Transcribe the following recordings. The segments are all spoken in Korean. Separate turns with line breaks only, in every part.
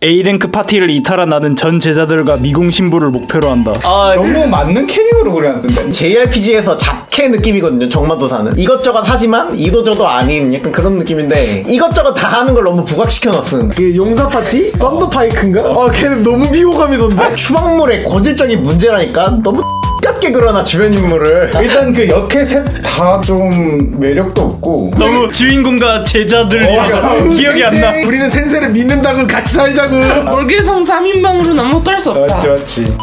A랭크 파티를 이탈한 나는 전 제자들과 미궁 신부를 목표로 한다.
아 너무 맞는 캐릭으로 그려놨던데.
JRPG에서 잡캐 느낌이거든요. 정마도사는 이것저것 하지만 이도저도 아닌 약간 그런 느낌인데 이것저것 다 하는 걸 너무 부각시켜놨음.
그 용사 파티? 썬더파이크인가? 걔는 너무 비호감이던데.
추방물의 고질적인 문제라니까. 너무 X같게 그려놔 주변 인물을.
일단 그 역캐 셋 다 좀 매력도 없고
너무 주인공과 제자들이라서 기억이 안 나.
우리는 센세를 믿는다고 같이 살자고.
월계성 3인방으로는 아무것도 할 수 없다.
맞지.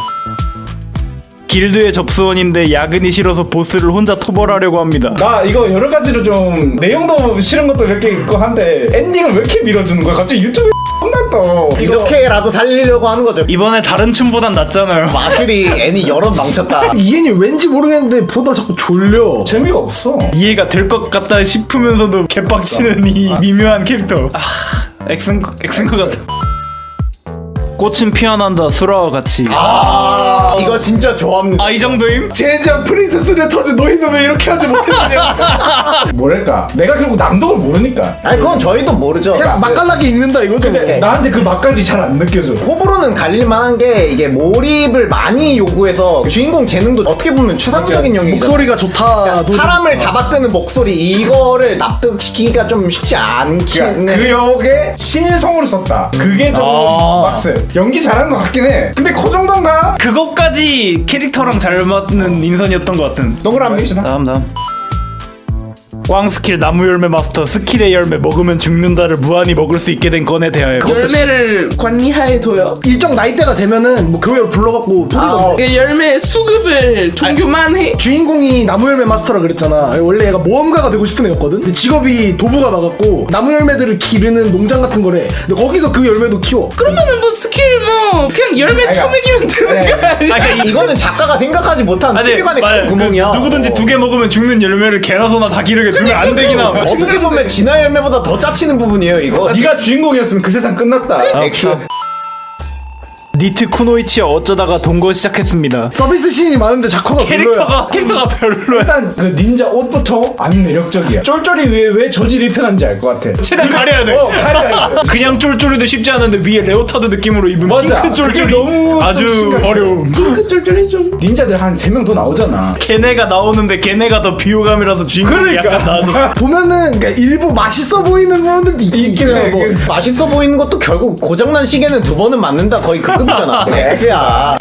길드의 접수원인데 야근이 싫어서 보스를 혼자 토벌하려고 합니다.
나 이거 여러 가지로 좀 내용도 싫은 것도 몇 개 있고 한데 엔딩을 왜 이렇게 밀어주는 거야? 갑자기 유튜브에 혼났다.
이렇게라도 살리려고 하는 거죠.
이번에 다른 춤보단 낫잖아요.
마술이 애니 여럿 망쳤다.
이엔이 왠지 모르겠는데 보다 자꾸 졸려.
재미가 없어.
이해가 될 것 같다 싶으면서도 개빡치는 이 미묘한 캐릭터. 엑센 것 같아. 꽃은 피어난다 수라와 같이.
이거 진짜 좋아합니다.
이 정도임?
젠장 프린세스 레터즈 너희는 왜 이렇게 하지 못했느냐.
뭐랄까 내가 결국 남동을 모르니까.
아니 그건 저희도 모르죠.
그냥 맛깔나게 읽는다 이거죠.
근데 나한테 그 맛깔이 잘 안 느껴져.
호불호는 갈릴만한 게 이게 몰입을 많이 요구해서 주인공 재능도 어떻게 보면 추상적인 영역이잖아.
목소리가 좋다.
사람을 잡아끄는 목소리 이거를 납득시키기가 좀 쉽지 않긴
그러니까 그 역에 신성으로 썼다. 그게 좀 빡세. 연기 잘한 것 같긴 해. 근데 그 정도인가?
그것까지 캐릭터랑 잘 맞는 인선이었던 것 같은.
동그라미.
다음. 꽝 스킬 나무 열매 마스터 스킬의 열매 먹으면 죽는다를 무한히 먹을 수 있게 된 건에 대하여.
열매를 관리하에 둬요.
일정 나이대가 되면은 뭐 교회로 불러갖고 소리가
그 열매 수급을 종교만 해.
주인공이 나무열매 마스터라 그랬잖아. 원래 얘가 모험가가 되고 싶은 애였거든. 근데 직업이 도부가 나갔고 나무열매들을 기르는 농장 같은 거래. 근데 거기서 그 열매도 키워.
그러면은 뭐 스킬 뭐 그냥 열매 처먹이면 되는 거 아니야?
이거는 작가가 생각하지 못한
아니,
세계관의
맞아요.
구멍이야.
누구든지 2개 먹으면 죽는 열매를 개나 소나 다 기르게 두면 안 되긴 함.
어떻게 보면 진화 열매보다 더 짜치는 부분이에요 이거.
네가 주인공이었으면 그 세상 끝났다.
엑스.
니트 쿠노이치와 어쩌다가 동거 시작했습니다.
서비스 씬이 많은데 작화가 별로야.
캐릭터가 별로야.
일단 그 닌자 옷부터 안 매력적이야. 쫄쫄이 왜 저질이 편한지 알 것 같아.
최대한 가려야 돼.
가려야 돼.
그냥 쫄쫄이도 쉽지 않은데 위에 레오타드 느낌으로 입은
맞아.
핑크 쫄쫄이
그게 너무
아주
좀 심각해.
어려움.
그 쫄쫄이 좀.
닌자들 한 3명 더 나오잖아.
걔네가 나오는데 걔네가 더 비호감이라서 주인공이
그러니까.
약간 나아져.
보면은 그러니까 일부 맛있어 보이는 부분들도 있긴 해. 뭐.
맛있어 보이는 것도 결국 고장난 시계는 2번은 맞는다 거의 그 급이잖아. X야.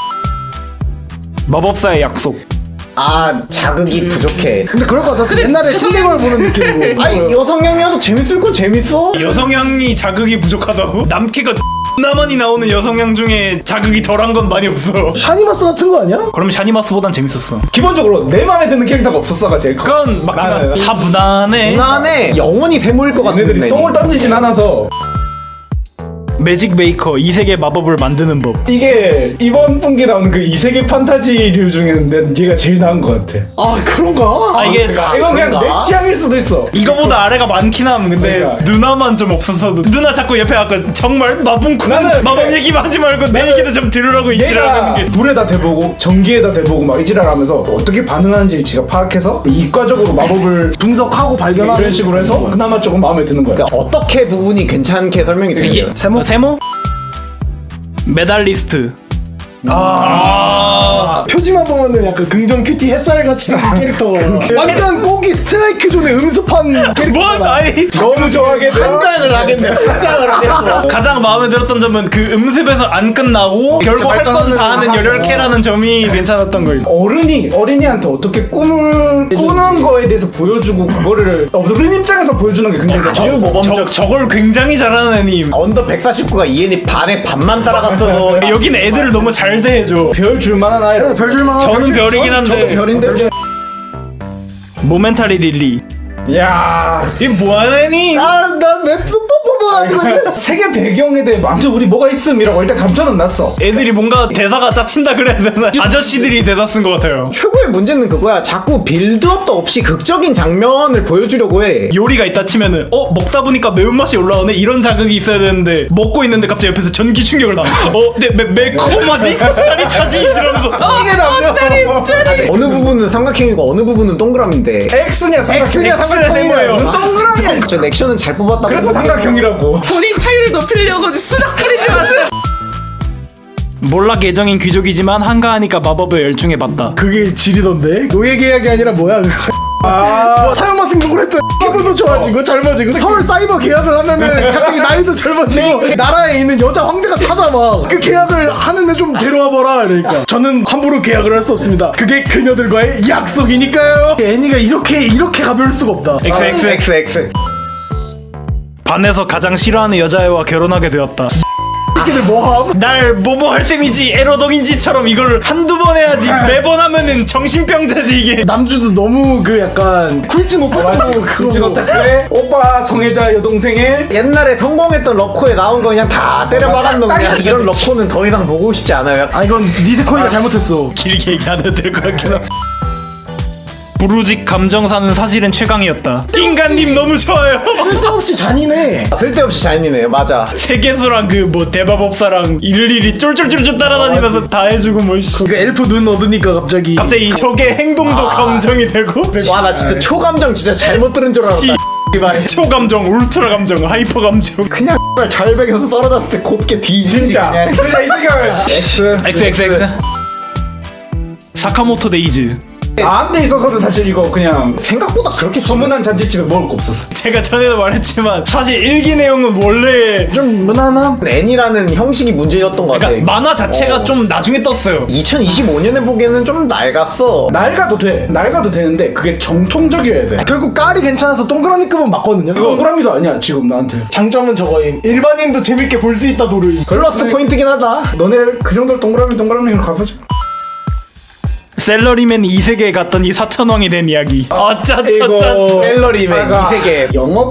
마법사의 약속.
자극이 부족해.
근데 그럴 것 같았어. 옛날에 신대걸 보는 느낌이고.
아니 여성향이어도 재밌을 거 재밌어.
여성향이 자극이 부족하다고? 남캐가 나만이 나오는 여성향 중에 자극이 덜한 건 많이 없어.
샤니마스 같은 거 아니야?
그럼 샤니마스보단 재밌었어.
기본적으로 내 마음에 드는 캐릭터가 없었어가 제일 커.
그건 맞긴
나는.
다 무난해.
무난해. 영원히 세모일 것 같은
얘네들이 똥을 던지진 않아서.
매직 메이커 이세계 마법을 만드는 법.
이게 이번 분기 나오는 그 이세계 판타지류 중에는 난 얘가 제일 나은 것 같아.
그런가?
이게
이건 그냥 내 취향일 수도 있어.
이거보다 아래가 많긴 함. 근데
그러니까.
누나만 좀 없어서 누나 자꾸 옆에 아까 정말 마분쿠
나는
마법 얘기만 하지 말고 내 얘기도 좀 들으라고
얘가
이지랄하는 게.
불에다 대보고 전기에다 대보고 막 이지랄하면서 어떻게 반응하는지 지가 파악해서 이과적으로 마법을
분석하고 발견하는
이런 식으로 해서 그나마 조금 마음에 드는 거야.
그러니까 어떻게 부분이 괜찮게 설명이 되는 거야.
세모? 메달리스트.
표지만 보면은 약간 긍정 큐티 햇살 같이 생긴 캐릭터. 완전 꼬기 스트라이크 존의 음습한 캐릭터.
뭔? 아니
너무 좋아하겠다.
한장을 하겠네. 한장을 하겠어.
가장 마음에 들었던 점은 그 음습에서 안 끝나고 결국 할 건 다 하는 열혈캐라는 점이 괜찮았던 거예요.
어린이한테 어떻게 꿈을 꾸는 거에 대해서 보여주고 그거를 어른 입장에서 보여주는 게 굉장히
아주 모범적.
저걸 굉장히 잘하는 애님.
언더 149가 EN이 반에 반만 따라갔어도
여긴 애들을 너무 잘 대해줘.
별 줄만한 아이.
별줄만.
저는 별이긴
저도
한데
별인데.
모멘타리 릴리.
야
이게 뭐하는 애니?
난 웹툰 또 뽑아가지고.
세계 배경에 대해 먼저 우리 뭐가 있음이라고 일단 감춰는 놨어.
애들이 뭔가 대사가 짜친다 그래야 되나? 아저씨들이 대사 쓴 것 같아요.
최고의 문제는 그거야. 자꾸 빌드업도 없이 극적인 장면을 보여주려고 해.
요리가 있다 치면은 먹다 보니까 매운맛이 올라오네 이런 자극이 있어야 되는데 먹고 있는데 갑자기 옆에서 전기 충격을 나. 매콤하지? 짜릿하지? 이러면서
이게 남녀.
짜리.
어느 부분은 삼각형이고 어느 부분은 동그라미인데.
X냐 삼각형이야.
세모예요.
동그라미야.
저 액션은 잘 뽑았다.
그래서 삼각형이라고.
본인 타율을 높이려고 수작 부리지 마세요.
몰락 예정인 귀족이지만 한가하니까 마법에 열중해봤다.
그게 질이던데? 노예 계약이 아니라 뭐야 그거. 뭐 사형 같은 거 그랬더니 기분도 좋아지고 젊어지고 서울 사이버 계약을 하면은 갑자기 나이도 젊어지고 나라에 있는 여자 황제가 찾아와 그 계약을 하는데 좀 데려와봐라 이러니까 저는 함부로 계약을 할 수 없습니다. 그게 그녀들과의 약속이니까요. 애니가 이렇게 가벼울 수가 없다.
XX 반에서 가장 싫어하는 여자애와 결혼하게 되었다.
새끼들 뭐함?
날 뭐뭐 할 셈이지 에로동인지처럼 이걸 한두 번 해야지 매번 하면은 정신병자지 이게.
남주도 너무 그 약간 쿨진 오타쿠
진
그거
오타쿠의 오빠 성애자 여동생의
옛날에 성공했던 러코에 나온 거 그냥 다 때려박았는 그냥 이런 러코는 더 이상 보고 싶지 않아요.
아 이건 니세코이가 잘못했어.
길게 얘기 안 해도 될 것 같긴 하고. 부르직 감정사는 사실은 최강이었다. 인간님 너무 좋아요.
쓸데없이 잔인해.
쓸데없이 잔인해요. 맞아.
세계수랑 그 뭐 대마법사랑 일일이 쫄쫄쫄쫄 따라다니면서 다 해주고 뭐 씨.
그 엘프 눈 얻으니까 갑자기
적의 행동도 감정이 되고
와 나 진짜 초감정 진짜 잘못 들은 줄 알았다. 이발.
초감정, 울트라 감정, 하이퍼 감정.
그냥 절벽에서 떨어졌을 때 곱게 뒤지지
진짜
그냥.
진짜 이 생각을
XXX 사카모토 데이즈.
나한테 있어서는 사실 이거 그냥
생각보다 그렇게
소문난 잔치집에 먹을 거 없었어.
제가 전에도 말했지만 사실 일기 내용은 원래
좀 무난함.
애니라는 형식이 문제였던 것 같아.
그러니까 만화 자체가 좀 나중에 떴어요.
2025년에 보기에는 좀 낡았어.
낡아도 되는데 그게 정통적이어야 돼.
결국 깔이 괜찮아서 동그라미급은 맞거든요.
동그라미도 아니야 지금 나한테.
장점은 저거임. 일반인도 재밌게 볼 수 있다 도르임.
플러스 포인트긴 하다.
너네 그 정도로 동그라미로 가보자.
셀러리맨 2세계에 갔더니 사천왕이 된 이야기. 짜짜짜짜.
셀러리맨 이 세계.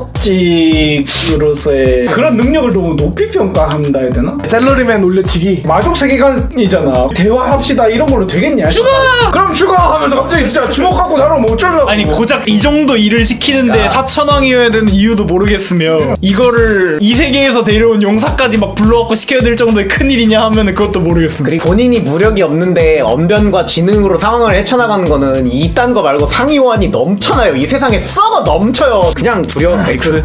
영업직으로서의 그런 능력을 너무 높이 평가한다 해야 되나?
셀러리맨 올려치기.
마족 세계관이잖아. 대화합시다 이런 걸로 되겠냐?
죽어!
그럼 죽어! 하면서 갑자기 진짜 주먹 갖고 나를 뭐 어쩌려고.
아니 고작 이 정도 일을 시키는데 사천왕이어야 되는 이유도 모르겠으며 이거를 이 세계에서 데려온 용사까지 막 불러갖고 시켜야 될 정도의 큰일이냐 하면은 그것도 모르겠습니다.
그리고 본인이 무력이 없는데 언변과 지능으로 상황을 헤쳐나가는 거는 이딴 거 말고 상위호환이 넘쳐나요. 이 세상에 썩어 넘쳐요. 그냥 두려워.
X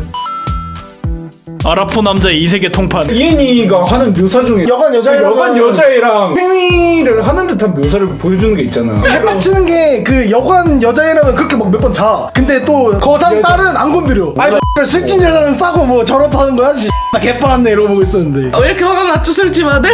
아라포 남자의 이세계 통판.
이엔이가 하는 묘사 중에
여관
여자애랑 생리를 하는 듯한 묘사를 보여주는 게 있잖아.
해박치는 게 그 여관 여자애랑은 그렇게 막 몇 번 자. 근데 또 거상 딸은 안 건드려. 아이 술집 여자는 싸고 뭐 저렇다는 거야. 씨. 나 개빠았네 이러고 보고 있었는데.
왜 이렇게 화가 났죠 술집 아들?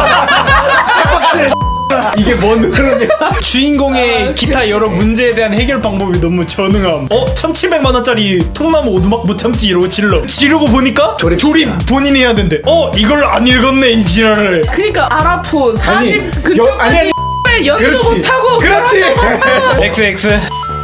이게 뭔 흐름이야?
주인공의 기타 여러 문제에 대한 해결 방법이 너무 전응함. 1700만 원짜리 통나무 오두막 못 참지 이러고 지르고 보니까 조립 본인이 해야 된대. 이걸 안 읽었네 이 지랄을.
그니까 아라포 40 그쪽까지 연도 못하고
그렇지.
XX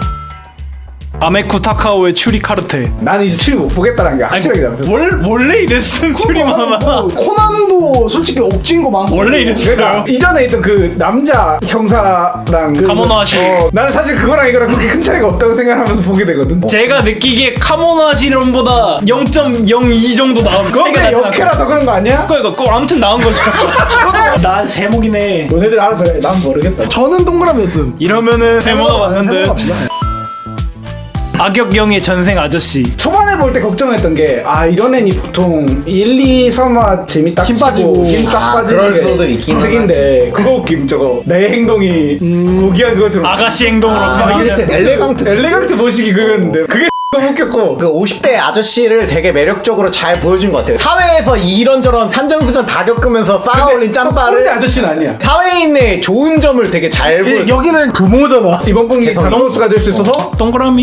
아메쿠 타카오의 추리 카르테.
나는 이제 추리 못 보겠다는 게 확실하게 잡혔어.
원래 이랬음 추리 마마.
코난도 솔직히 억지인 거 많고.
원래 이랬어요.
그러니까 이전에 있던 그 남자 형사랑 그
카모노 하시.
나는 사실 그거랑 이거랑 그렇게 큰 차이가 없다고 생각하면서 보게 되거든.
제가 느끼기에 카모노 하시론보다 0.02 정도 나온
그건
차이가
그냥
나진 않아.
역해라서 그런 거 아니야?
그거 아무튼 나온 거죠. 난 세목이네.
너네들 알아서 해. 난 모르겠다.
저는 동그라미였음.
이러면은 세모가 맞는데.
해봅시다.
악역영의 전생 아저씨.
초반에 볼 때 걱정했던 게 이런 애니 보통 1, 2, 3화 재밌다
힘 빠지고.
힘쫙 빠지는
그럴
게
수도 있긴
특인데 그거 웃김 저거 내 행동이 고귀한 그것처럼
아가씨 행동으로
엘레강트 모시기 그거였는데 그게 너무 웃겼고
그 50대 아저씨를 되게 매력적으로 잘 보여준 것 같아요. 사회에서 이런저런 산전수전 다 겪으면서 쌓아올린 짬바를
꼰대 아저씨는 아니야.
사회인의 좋은 점을 되게 잘 보여.
여기는 부모잖아.
이번 분기
개성이.
다노스가 될 수 있어서
동그라미.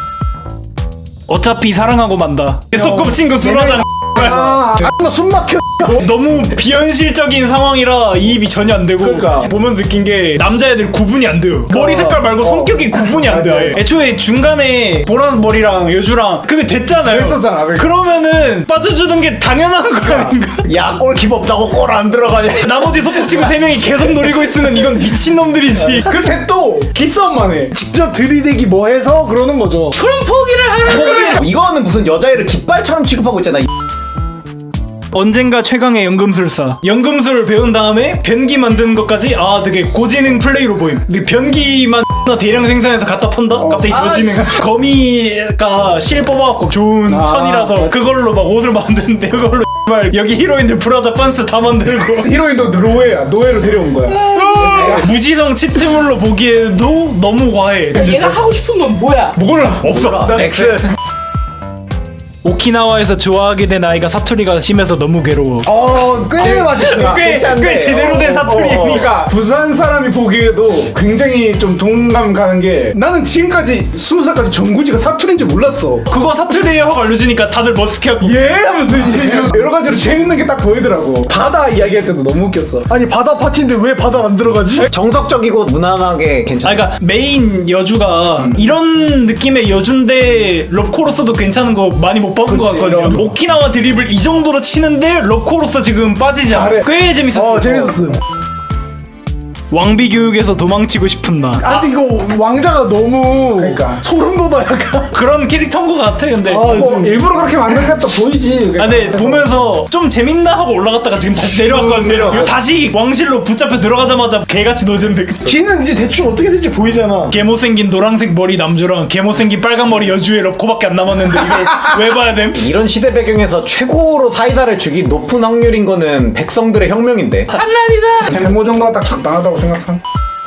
어차피 사랑하고 만다. 속꼽친 거 술하장.
나숨 막혀.
너무 비현실적인 상황이라 이입이 전혀 안 되고
그러니까.
보면서 느낀 게 남자애들 구분이 안 돼요. 머리 색깔 말고 성격이 구분이 안 돼요. 아예. 애초에 중간에 보라색 머리랑 여주랑 그게 됐잖아요.
됐었잖아.
그러면은 빠져주는 게 당연한 거 아닌가?
야 골키퍼 없다고 골 안 들어가냐.
나머지 속꼽친구 3명이 계속 노리고 있으면 이건 미친놈들이지.
그 셋도 기싸움만 해.
직접 들이대기 뭐 해서 그러는 거죠.
그럼 포기를 하라 그래.
이거는 무슨 여자애를 깃발처럼 취급하고 있잖아.
언젠가 최강의 연금술사. 연금술 배운 다음에 변기 만드는 것까지 되게 고지능 플레이로 보임. 근데 변기만 대량 생산해서 갖다 판다? 갑자기 저지능. 거미가 실 뽑아갖고 좋은 천이라서 그걸로 막 옷을 만드는데 그걸로 여기 히로인들 브라자 빤스 다 만들고
히로인도 노예로 데려온 거야.
무지성 치트물로 보기에도 너무 과해.
얘가 하고 싶은 건 뭐야?
몰라.
없어.
X.
오키나와에서 좋아하게 된 아이가 사투리가 심해서 너무 괴로워.
꽤 맛있어.
꽤 제대로 된 사투리니.
그러니까 부산 사람이 보기에도 굉장히 좀 동감 가는 게 나는 지금까지 20살까지 정구지가 사투리인 줄 몰랐어.
그거 사투리에 확 알려주니까 다들 머쓱해하고
예 하면서 이제 여러 가지로 재밌는 게 딱 보이더라고. 바다 이야기할 때도 너무 웃겼어.
아니 바다 파티인데 왜 바다 안 들어가지?
정석적이고 무난하게 괜찮아.
그러니까 메인 여주가 이런 느낌의 여주인데 럽코로서도 괜찮은 거 많이 못 봐본 것 같거든요.
이런 거.
오키나와 드립을 이 정도로 치는데 럽코로서 지금 빠지지 않아.
잘해.
꽤 재밌었어.
재밌었어.
왕비 교육에서 도망치고 싶은 나.
근데 이거 왕자가 너무
그러니까.
소름 돋아 약간.
그런 캐릭터인 것 같아. 근데
뭐 일부러 그렇게 만든 것도 보이지.
근데 보면서 좀 재밌나 하고 올라갔다가 지금 다시 내려왔거든요. 다시 왕실로 붙잡혀 들어가자마자 개같이 노잼돼.
걔는 이제 대충 어떻게 될지 보이잖아.
개못생긴 노란색 머리 남주랑 개못생긴 빨간 머리 여주의 럽코밖에 안 남았는데 이걸 왜 봐야 됨?
이런 시대 배경에서 최고로 사이다를 주기 높은 확률인 거는 백성들의 혁명인데.
한란이다.
세모 정도가 딱 적당하다고 생각한.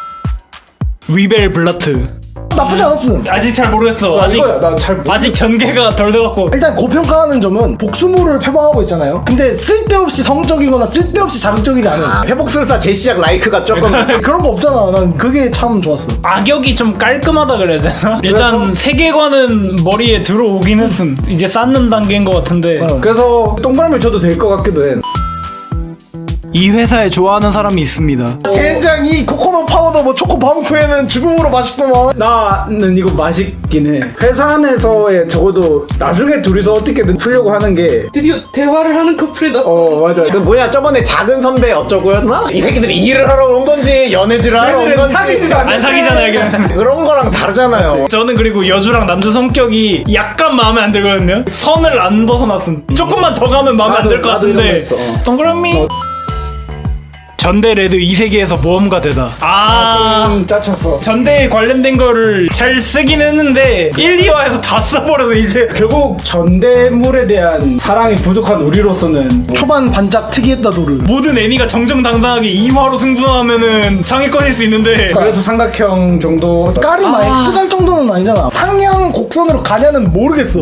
위벨 블라트.
나쁘지 않았음.
아직 잘 모르겠어. 아직 전개가 덜 돼갖고.
일단 고평가하는 점은 복수물을 표방하고 있잖아요. 근데 쓸데없이 성적이거나 쓸데없이 자극적이지 않은
회복술사 재시작 라이크가 조금
그런 거 없잖아. 난 그게 참 좋았어.
악역이 좀 깔끔하다 그래야 되나? 일단 세계관은 머리에 들어오긴 했음. 이제 쌓는 단계인 것 같은데
그래서 동그라미 줘도 될 것 같기도 해.
이 회사에 좋아하는 사람이 있습니다.
젠장 이 코코넛 파우더 뭐 초코 바움쿠에는 죽음으로 맛있구만.
나는 이거 맛있긴 해. 회사 안에서의 적어도 나중에 둘이서 어떻게든 풀려고 하는 게
드디어 대화를 하는 커플이다.
맞아.
그 뭐야 저번에 작은 선배 어쩌고였나? 이 새끼들이 일을 하러 온 건지 연애질을 하러 온 건지
사귀지도 않는데.
안 사귀잖아요. 그냥.
그런 거랑 다르잖아요.
저는 그리고 여주랑 남주 성격이 약간 마음에 안 들거든요. 선을 안 벗어났음. 조금만 더 가면 마음에 안 들 것
나도 이런 거
같은데
있어.
동그라미 전대 레드 이 세계에서 모험가 되다.
짜쳤어.
전대에 관련된 거를 잘 쓰긴 했는데 1, 2화에서 다 써버려서 이제
결국 전대물에 대한 사랑이 부족한 우리로서는
초반 반짝 특이했다 도를.
모든 애니가 정정당당하게 2화로 승부하면은 상위권일 수 있는데
그래서 삼각형 정도.
까리마 X 갈 정도는 아니잖아. 상향 곡선으로 가냐는 모르겠어.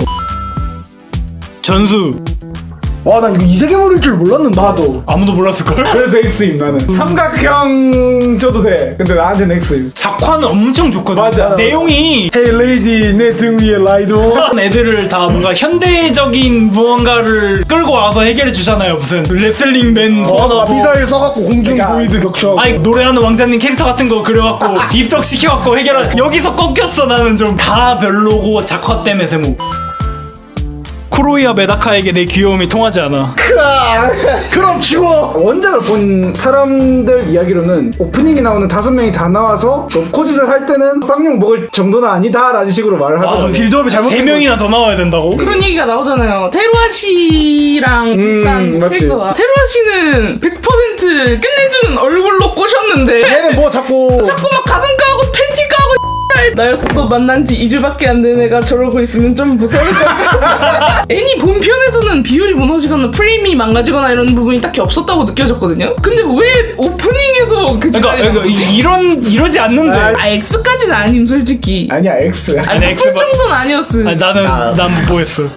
전수
와 난 이거 이세계물일 줄 몰랐는데.
나도.
아무도 몰랐을걸?
그래서 X임 나는. 삼각형 줘도 돼. 근데 나한테는 X임.
작화는 엄청 좋거든.
맞아.
내용이
헤이 레이디 내 등 위에 라이도.
애들을 다 뭔가 현대적인 무언가를 끌고 와서 해결해 주잖아요. 무슨 레슬링맨 소환하고
미사일 써갖고 공중
그러니까-
보이드 격추하고.
아니 노래하는 왕자님 캐릭터 같은 거 그려갖고 딥덕 시켜갖고 해결한. 여기서 꺾였어. 나는 좀 다 별로고 작화 때문에 세모. 쿠로이와 메다카에게 내 귀여움이 통하지 않아.
그럼 치워.
원작을 본 사람들 이야기로는 오프닝에 나오는 5명이 다 나와서 코짓을 할 때는 쌍욕 먹을 정도는 아니다라는 식으로 말을 하더라고요.
빌드업이 잘못된
3명이나 더 나와야 된다고?
그런 얘기가 나오잖아요. 테루아 씨랑 비슷한
맞지.
캐릭터가. 테루아 씨는 100% 끝내주는 얼굴로 꼬셨는데
얘는 뭐 자꾸
자꾸 막 가슴 까고 팬티 까고 나였어도 만난 지 2주밖에 안 된 애가 저러고 있으면 좀 무서울 것 같아. 애니 본편에서는 비율이 무너지거나 프레임이 망가지거나 이런 부분이 딱히 없었다고 느껴졌거든요. 근데 왜 오프닝에서 그
그러니까 이러지 않는데.
X까지는 아님 솔직히.
아니야 X.
아니,
풀 정도는 아니었음.
아니, 난 뭐 했어?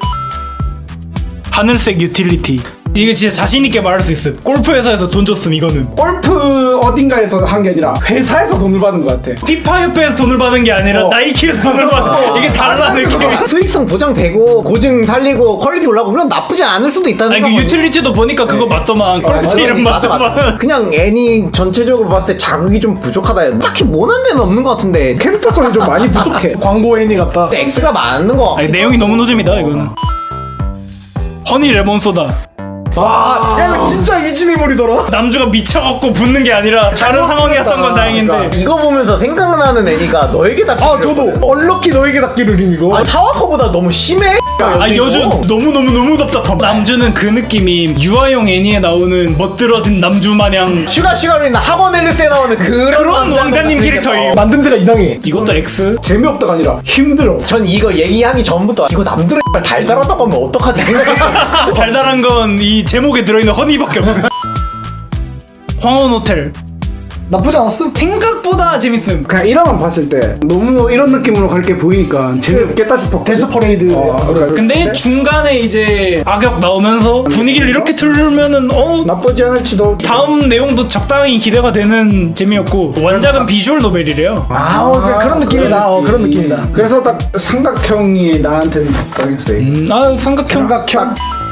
하늘색 유틸리티. 이거 진짜 자신있게 말할 수 있어. 골프 회사에서 돈 줬음. 이거는
골프 어딘가에서 한 게 아니라 회사에서 돈을 받은 것 같아.
피파 협회에서 돈을 받은 게 아니라 나이키에서 돈을 받은. 이게 달라 느낌이.
수익성 보장되고 고증 살리고 퀄리티 올라가고 그럼 나쁘지 않을 수도 있다는
아니 그
생각은-
유틸리티도 보니까 그거 맞더만. 골프 이름
맞아.
맞더만.
그냥 애니 전체적으로 봤을 때 자극이 좀 부족하다. 딱히 모난 데는 없는 것 같은데
캐릭터성이 좀 많이 부족해.
광고 애니 같다.
X가 많은 거.
아니 내용이 너무 노잼이다 이거는. 허니 레몬 소다.
야 이거 진짜 이지미물이더라.
남주가 미쳐갖고 붙는 게 아니라 다른 상황이었던 건 다행인데.
이거 보면서 생각나는 애니가 너에게 닿기.
아 저도 얼럭키 너에게 닿기를 이거.
아, 사와커보다 너무 심해.
아 여주 너무 답답함. 남주는 그 느낌이 유아용 애니에 나오는 멋들어진 남주 마냥
슈가슈가루인 학원 앨리스에 나오는 그런
왕자님 캐릭터임.
만듦새가 이상해.
이것도 X?
재미없다가 아니라 힘들어.
전 이거 얘기하기 전부터 이거 남들의 달달하다고 하면 어떡하지 생각했거든요.
달달한 건 이 제목에 들어있는 허니밖에 없어. 황혼 호텔
나쁘지 않았음.
생각보다 재밌음.
그냥 1화만 봤을 때 너무 이런 느낌으로 갈 게 보이니까 재미없겠다 싶었고.
데스 퍼레이드.
근데 중간에 이제 악역 나오면서 분위기를 이렇게 틀면은
나쁘지 않을지도.
다음 내용도 적당히 기대가 되는 재미였고 원작은 비주얼 노벨이래요.
그런 느낌이다. 그런 느낌이다.
그래서 딱 삼각형이 나한테는 적당했어요.
삼각형
삼각형.